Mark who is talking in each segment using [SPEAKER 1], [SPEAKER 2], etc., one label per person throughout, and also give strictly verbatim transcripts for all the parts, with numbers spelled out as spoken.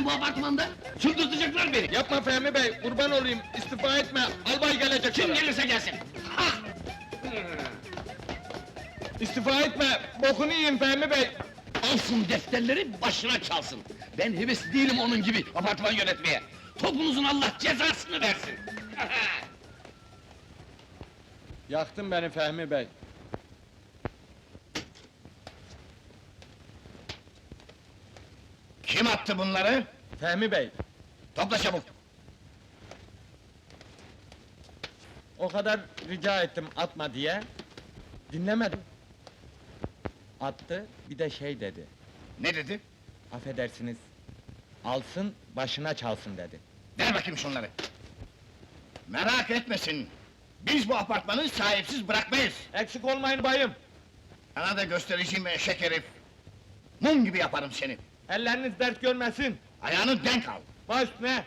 [SPEAKER 1] ben bu apartmanda? Çıldırtacaklar beni!
[SPEAKER 2] Yapma Fehmi Bey, kurban olayım, istifa etme, albay gelecek
[SPEAKER 1] Kim
[SPEAKER 2] sana.
[SPEAKER 1] gelirse gelsin! Ha!
[SPEAKER 2] İstifa etme, bokunu yiyin Fehmi Bey!
[SPEAKER 1] Alsın defterleri, başına çalsın! Ben heves değilim onun gibi apartman yönetmeye! Topunuzun Allah cezasını versin!
[SPEAKER 2] Yaktın beni Fehmi Bey.
[SPEAKER 1] Kim attı bunları?
[SPEAKER 2] Fehmi Bey,
[SPEAKER 1] Topla çabuk!
[SPEAKER 2] o kadar rica ettim atma diye, dinlemedim. Attı, bir de şey dedi,
[SPEAKER 1] Ne dedi?
[SPEAKER 2] affedersiniz, alsın, başına çalsın dedi.
[SPEAKER 1] Ver bakayım şunları! Merak etmesin! Biz bu apartmanı sahipsiz bırakmayız!
[SPEAKER 2] Eksik olmayın bayım,
[SPEAKER 1] Sana da göstereceğim eşek herif! Mum gibi yaparım seni!
[SPEAKER 2] elleriniz dert görmesin,
[SPEAKER 1] Ayağını denk al!
[SPEAKER 2] baş ne?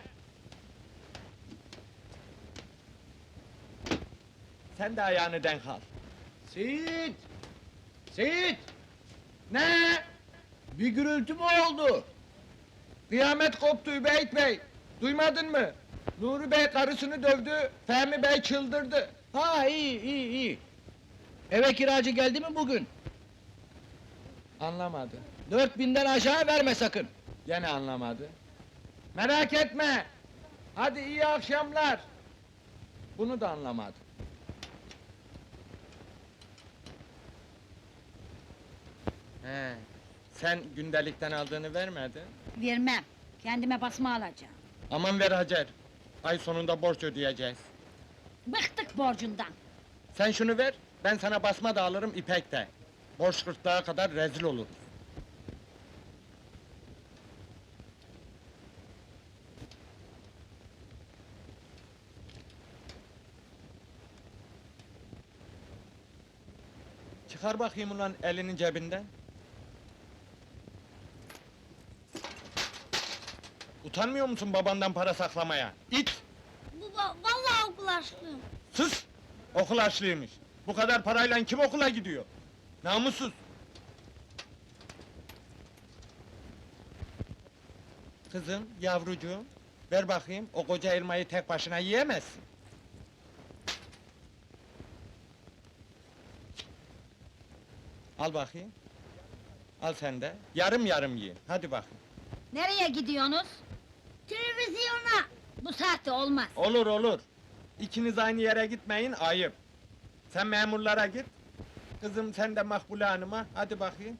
[SPEAKER 2] Sen de ayağını denk al.
[SPEAKER 3] Seyit! Seyit!
[SPEAKER 2] Ne?
[SPEAKER 3] Bir gürültü mü oldu?
[SPEAKER 2] Kıyamet koptu Übeyt Bey! Duymadın mı? Nuri Bey karısını dövdü, Fehmi Bey çıldırdı.
[SPEAKER 3] Ha iyi iyi iyi. Eve kiracı geldi mi bugün?
[SPEAKER 2] Anlamadı.
[SPEAKER 3] Dört binden aşağı verme sakın.
[SPEAKER 2] Gene anlamadı. Merak etme! Hadi iyi akşamlar! Bunu da anlamadı. He, sen gündelikten aldığını vermedin.
[SPEAKER 4] Vermem. Kendime basma alacağım.
[SPEAKER 2] Aman ver Hacer! Ay sonunda borç ödeyeceğiz.
[SPEAKER 4] Bıktık borcundan.
[SPEAKER 2] Sen şunu ver, ben sana basma da alırım ipek de. Borç gırtlağa kadar rezil oluruz. Çıkar bakayım ulan elinin cebinden. Utanmıyor musun babandan para saklamaya? İt!
[SPEAKER 4] Baba, vallahi okul açtım.
[SPEAKER 2] Sus! Okul açlıymış. Bu kadar parayla kim okula gidiyor? Namussuz! Kızım, yavrucuğum, ver bakayım, o koca elmayı tek başına yiyemezsin. Al bakayım. Al sen de, yarım yarım yiyin, hadi bakayım.
[SPEAKER 4] Nereye gidiyorsunuz? Televizyona. Bu saatte olmaz.
[SPEAKER 2] Olur olur. İkiniz aynı yere gitmeyin, ayıp. Sen memurlara git. Kızım sen de Makbule Hanım'a, hadi bakayım.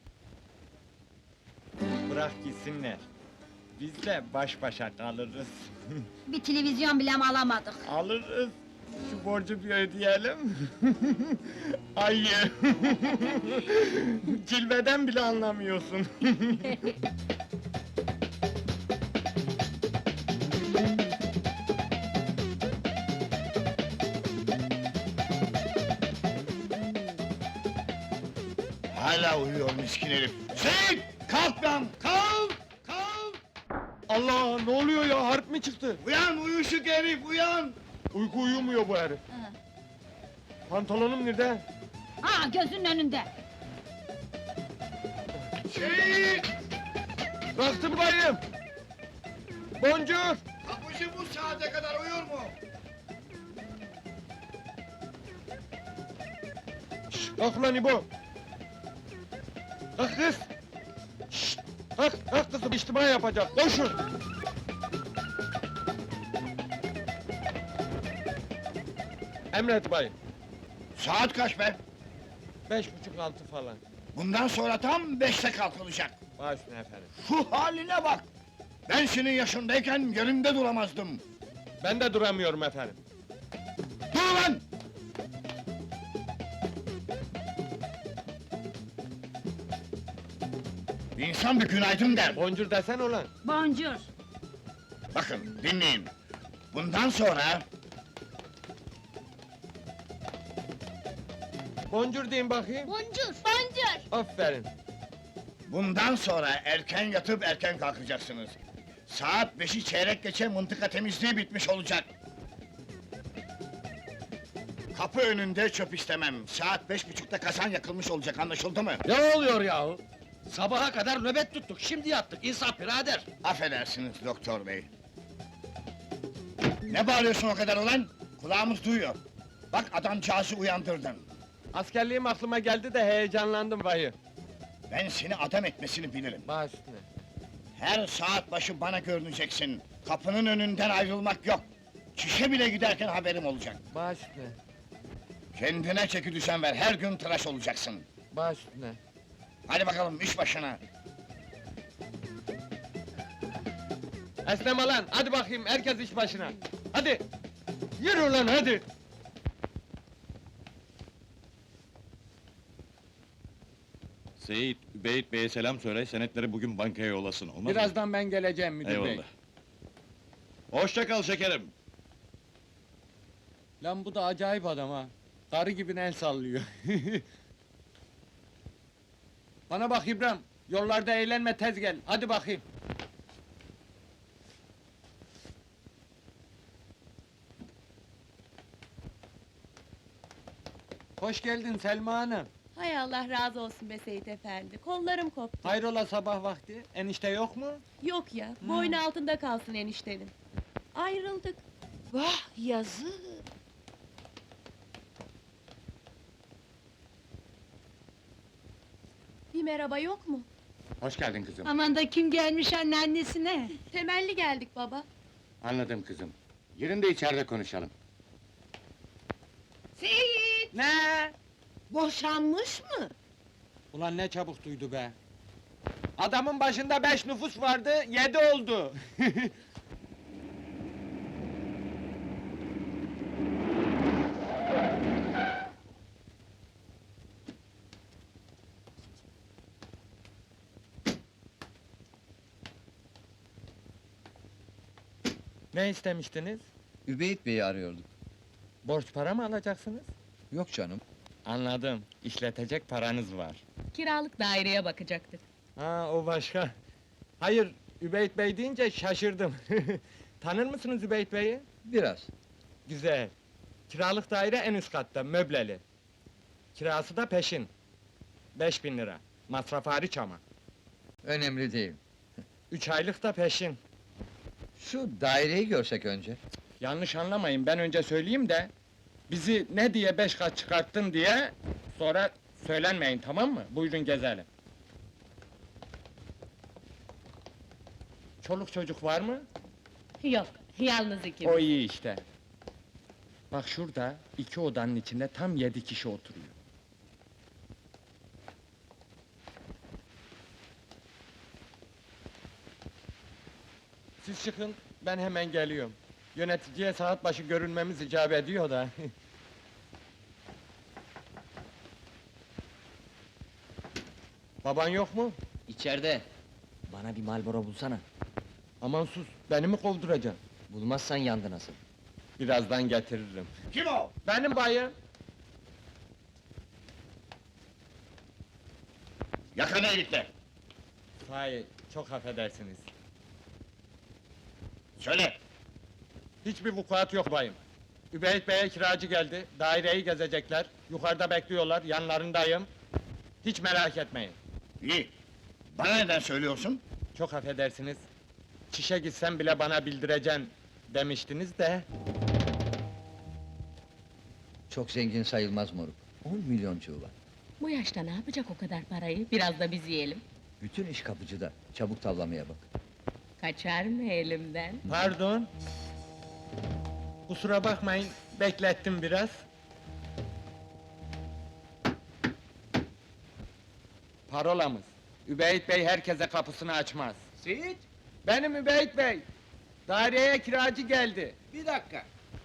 [SPEAKER 2] Bırak gitsinler. Biz de baş başa kalırız.
[SPEAKER 4] Bir televizyon bile mi alamadık?
[SPEAKER 2] Alırız. Şu borcu bir ödeyelim. Ayı. Cilveden bile anlamıyorsun.
[SPEAKER 1] Hala uyuyor miskin herif! Seyit! Kalk lan! Kalk! Kalk!
[SPEAKER 2] Allah, ne oluyor ya, harp mi çıktı?
[SPEAKER 1] Uyan uyuşuk herif, uyan!
[SPEAKER 2] Uyku uyumuyor bu herif.
[SPEAKER 4] Hı.
[SPEAKER 2] Pantolonum nerede?
[SPEAKER 4] Ha, gözünün önünde.
[SPEAKER 1] Seyit!
[SPEAKER 2] Baktım bayım! Boncuk!
[SPEAKER 1] Kapıcı bu saate kadar uyur mu?
[SPEAKER 2] Şşş, kalk ulan İbo! Kalk kız! Şşş, kalk, kalk kızım, içtima yapacak, koşun! Emret bayım,
[SPEAKER 1] Saat kaç be?
[SPEAKER 2] beş buçuk altı falan.
[SPEAKER 1] Bundan sonra tam beşte kalkılacak.
[SPEAKER 2] Baş üstüne efendim.
[SPEAKER 1] Şu haline bak! Ben senin yaşındayken yerimde duramazdım.
[SPEAKER 2] Ben de duramıyorum efendim.
[SPEAKER 1] Dur lan! İnsan bir günaydın der.
[SPEAKER 2] Boncuk desen ulan!
[SPEAKER 4] Boncuk.
[SPEAKER 1] Bakın, dinleyin. Bundan sonra...
[SPEAKER 2] Boncuk deyin bakayım.
[SPEAKER 4] Boncuk. Boncuk.
[SPEAKER 2] Aferin.
[SPEAKER 1] Bundan sonra erken yatıp erken kalkacaksınız. Saat beşi çeyrek geçe mıntıka temizliği bitmiş olacak. Kapı önünde çöp istemem. Saat beş buçukta kazan yakılmış olacak, anlaşıldı mı?
[SPEAKER 3] Ne oluyor yahu? Sabaha kadar nöbet tuttuk, şimdi yattık. İnsaf birader!
[SPEAKER 1] Affedersiniz doktor bey. Ne bağırıyorsun o kadar ulan? Kulağımız duyuyor. Bak adamcağızı uyandırdın.
[SPEAKER 2] Askerliğim aklıma geldi de heyecanlandım bayı.
[SPEAKER 1] Ben seni adam etmesini bilirim.
[SPEAKER 2] Baş üstüne.
[SPEAKER 1] Her saat başı bana görüneceksin. Kapının önünden ayrılmak yok. Çişe bile giderken haberim olacak.
[SPEAKER 2] Baş üstüne.
[SPEAKER 1] Kendine çeki düzen ver, her gün tıraş olacaksın.
[SPEAKER 2] Baş üstüne.
[SPEAKER 1] Hadi bakalım iş başına.
[SPEAKER 2] Esneme lan, hadi bakayım herkes iş başına. Hadi! Yürü lan hadi!
[SPEAKER 5] Seyit, Übeyit Bey'e selam söyle, senetleri bugün bankaya yollasın, olmaz mı?
[SPEAKER 2] Birazdan ben geleceğim müdür bey.
[SPEAKER 5] Eyvallah. Hoşça kal şekerim.
[SPEAKER 2] Lan bu da acayip adam ha. Karı gibi el sallıyor. Bana bak İbrahim, yollarda eğlenme tez gel, hadi bakayım. Hoş geldin Selma Hanım.
[SPEAKER 6] Hay Allah razı olsun be Seyit efendi, kollarım koptu.
[SPEAKER 2] Hayrola sabah vakti, enişte yok mu?
[SPEAKER 6] Yok ya, boynu altında kalsın eniştenin. Ayrıldık. Vah yazık! Bir merhaba yok mu?
[SPEAKER 7] Hoş geldin kızım.
[SPEAKER 4] Aman da kim gelmiş anneannesine?
[SPEAKER 6] Temelli geldik baba.
[SPEAKER 7] Anladım kızım. Yerinde içeride konuşalım.
[SPEAKER 6] Seyit!
[SPEAKER 2] Ne?
[SPEAKER 6] Boşanmış mı?
[SPEAKER 2] Ulan ne çabuk duydu be! Adamın başında beş nüfus vardı, yedi oldu! Ne istemiştiniz?
[SPEAKER 3] Übeyit Bey'i arıyorduk.
[SPEAKER 2] Borç para mı alacaksınız?
[SPEAKER 3] Yok canım.
[SPEAKER 2] Anladım, işletecek paranız var.
[SPEAKER 6] Kiralık daireye bakacaktık.
[SPEAKER 2] Ha, o başka. Hayır, Übeyt Bey deyince şaşırdım. Tanır mısınız Übeyt Bey'i?
[SPEAKER 3] Biraz.
[SPEAKER 2] Güzel. Kiralık daire en üst katta, möbleli. Kirası da peşin. Beş bin lira. Masraf hariç ama.
[SPEAKER 3] Önemli değil.
[SPEAKER 2] Üç aylık da peşin.
[SPEAKER 3] Şu daireyi görsek önce.
[SPEAKER 2] Yanlış anlamayın, ben önce söyleyeyim de... ...bizi ne diye beş kat çıkarttın diye... ...sonra söylenmeyin, tamam mı? Buyurun gezelim. Çoluk çocuk var mı?
[SPEAKER 6] Yok, yalnız ikimiz.
[SPEAKER 2] O iyi işte. Bak şurada, iki odanın içinde tam yedi kişi oturuyor. Siz çıkın, ben hemen geliyorum. Yöneticiye saat başı görünmemiz icap ediyor da. Baban yok mu?
[SPEAKER 8] İçeride. Bana bir Marlboro bulsana.
[SPEAKER 2] Aman sus, beni mi kovduracaksın?
[SPEAKER 8] Bulmazsan yandı nasıl?
[SPEAKER 2] Birazdan getiririm.
[SPEAKER 1] Kim o?
[SPEAKER 2] Benim bayım.
[SPEAKER 1] Yakana ilikle.
[SPEAKER 2] Hayır, çok affedersiniz.
[SPEAKER 1] Söyle.
[SPEAKER 2] Hiçbir vukuat yok bayım. Übeyt Bey'e kiracı geldi, daireyi gezecekler, yukarıda bekliyorlar, yanlarındayım. Hiç merak etmeyin.
[SPEAKER 1] İyi. Bana neden söylüyorsun?
[SPEAKER 2] Çok affedersiniz. Çişe gitsem bile bana bildireceksin demiştiniz de...
[SPEAKER 3] Çok zengin sayılmaz moruk. On milyoncuğu var.
[SPEAKER 6] Bu yaşta ne yapacak o kadar parayı? Biraz da biz yiyelim.
[SPEAKER 3] Bütün iş kapıcıda. Çabuk tavlamaya bak.
[SPEAKER 6] Kaçar mı elimden?
[SPEAKER 2] Pardon. Kusura bakmayın, beklettim biraz. Parolamız. Übeyt Bey herkese kapısını açmaz.
[SPEAKER 3] Seyit!
[SPEAKER 2] Benim Übeyt Bey. Daireye kiracı geldi.
[SPEAKER 3] Bir dakika.